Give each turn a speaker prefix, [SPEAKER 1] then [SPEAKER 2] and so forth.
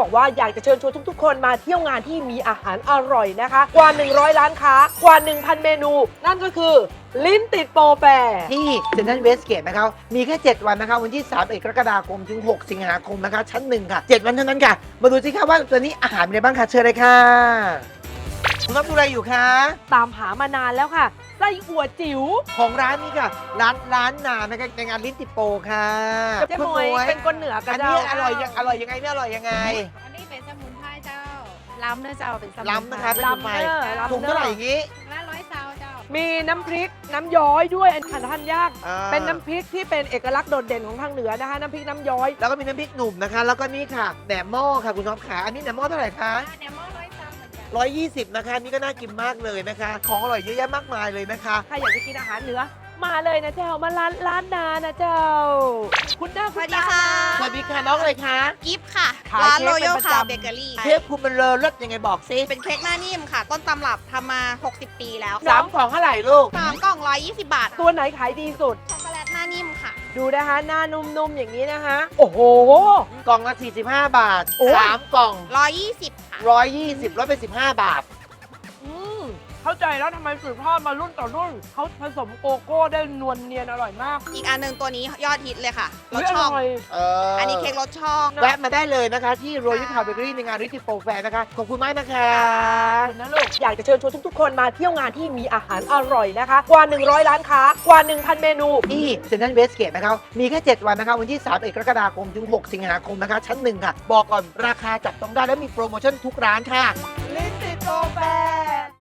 [SPEAKER 1] บอกว่าอยากจะเชิญชวนทุกๆคนมาเที่ยวงานที่มีอาหารอร่อยนะคะกว่า100ร้านค้ากว่า 1,000 เมนู นั่นก็คือลิ้นติดโปรแฟร์
[SPEAKER 2] ที่เซ็นทรัลเวสเกตนะครับมีแค่7วันนะคะวันที่3กรกฎาคมถึง6สิงหาคมนะคะชั้น1ค่ะ7วันเท่านั้นค่ะมาดูสิคะว่าตัวนี้อาหารเป็นอะไรบ้างคะเชิญเลยค่ะคุณรับดูอะไรอยู่คะ
[SPEAKER 1] ตามหามานานแล้วค่ะไส้อั่วจิ๋ว
[SPEAKER 2] ของร้านนี้ค่ะร้านนานะคะในงานลิ้นติดโปค่ะ
[SPEAKER 1] เจ๊หมวยเป็นคนเหนือกั
[SPEAKER 2] อั
[SPEAKER 1] น
[SPEAKER 2] น
[SPEAKER 1] เจ้า
[SPEAKER 2] นี้อร่อยยังไงเนี่ยอร่อยยังไง
[SPEAKER 3] อันนี้เป็นสมุนไพรเจ้า ล้ำเนื้อเจ้าเป็นสมุนไพร
[SPEAKER 2] ล้ำนะคะเป็นสมุนไพร
[SPEAKER 1] ล้ำ
[SPEAKER 2] ถุงเท่าไหร่อย่างนี้
[SPEAKER 3] ละ100เจ้าเจ้า
[SPEAKER 1] มีน้ำพริกน้ำย้อยด้วยอันทานยาก
[SPEAKER 2] อ่า
[SPEAKER 1] เป็นน้ำพริกที่เป็นเอกลักษณ์โดดเด่นของทางเหนือนะคะน้ำพริกน้ำย้อย
[SPEAKER 2] แล้วก็มีน้ำพริกหนุ่มนะคะ แล้วก็นี่ค่ะแหนมหม้อค่ะคุณน้องขาอันนี้แหนมหม้อเท่าไหร่คะ
[SPEAKER 3] แหนมหม้อ100เจ้าเหมือนกัน
[SPEAKER 2] 120นะคะนี่ก็น่ากินมากเลยนะคะ ของอร่อยเยอะแยะมากมายเลยนะคะ
[SPEAKER 1] ใครอยากจะกินอาหารเหนือมาเลยนะเจ้ามาร้านนานะเจ้า คุณหน้าคุณตา
[SPEAKER 2] สวัสดีค่ะน้องอะไรคะ
[SPEAKER 4] กิฟต์ค่ะ
[SPEAKER 1] ขาย
[SPEAKER 4] ร้าน
[SPEAKER 1] เค้ก
[SPEAKER 4] โรยัล
[SPEAKER 1] เป็นประ
[SPEAKER 4] คา
[SPEAKER 1] จำ
[SPEAKER 4] เบเกอรี่
[SPEAKER 2] เทปคุณมันเลอรสยังไงบอกสิ
[SPEAKER 4] เป็นเค้กหน้านิ่มค่ะ ต้นตำรับทำมา 60 ปีแล้ว
[SPEAKER 2] 3 กล่องเท่าไหร่ลูก
[SPEAKER 4] 3 กล่อง 120 บาท
[SPEAKER 1] ตัวไหนขายดีสุด
[SPEAKER 4] ช็อกโกแลตหน้านิ่มค่ะ
[SPEAKER 1] ดูนะคะหน้านุ่มๆอย่างนี้นะคะ โอ้โห
[SPEAKER 2] กล่องละ45 บาท
[SPEAKER 1] โอ้ย
[SPEAKER 2] 3 กล่อง
[SPEAKER 4] 120 ค่ะ
[SPEAKER 2] 120ลดไป15 บาท
[SPEAKER 1] อืมเข้าใจแล้วทำไมสืบทอดมารุ่นต่อรุ่นเขาผสมโกโก้ได้นวลเนียนอร่อยมาก
[SPEAKER 4] อีกอันหนึ่งตัวนี้ยอดฮิตเลยค่ะร
[SPEAKER 1] เฮ้
[SPEAKER 4] ส
[SPEAKER 1] ยอ
[SPEAKER 4] ช่อง
[SPEAKER 1] ร่อย
[SPEAKER 4] อันนี้เค้กรสช่อง
[SPEAKER 2] แวะมาได้เลยนะคะ ที่โรยัลคาเบเกอรี่ในงานริทิโปรแฟร์นะคะ ขอบคุณมากนะคะ
[SPEAKER 1] นะลูกอยากจะเชิญชวนทุกๆ คนมาเที่ยวงานที่มีอาหารอร่อยนะคะกว่า 100ร้านค้ากว่า 1,000 เมนู
[SPEAKER 2] ที่เซ็นทรัลเวสเกตนะครับมีแค่7วันนะคะวันที่3กรกฎาคมถึง6สิงหาคมนะคะชั้น1ค่ะบอกก่อนราคาจับต้องได้และมีโปรโมชั่นทุกร้านค่ะ
[SPEAKER 1] ลิ้นติดโปรแฟร์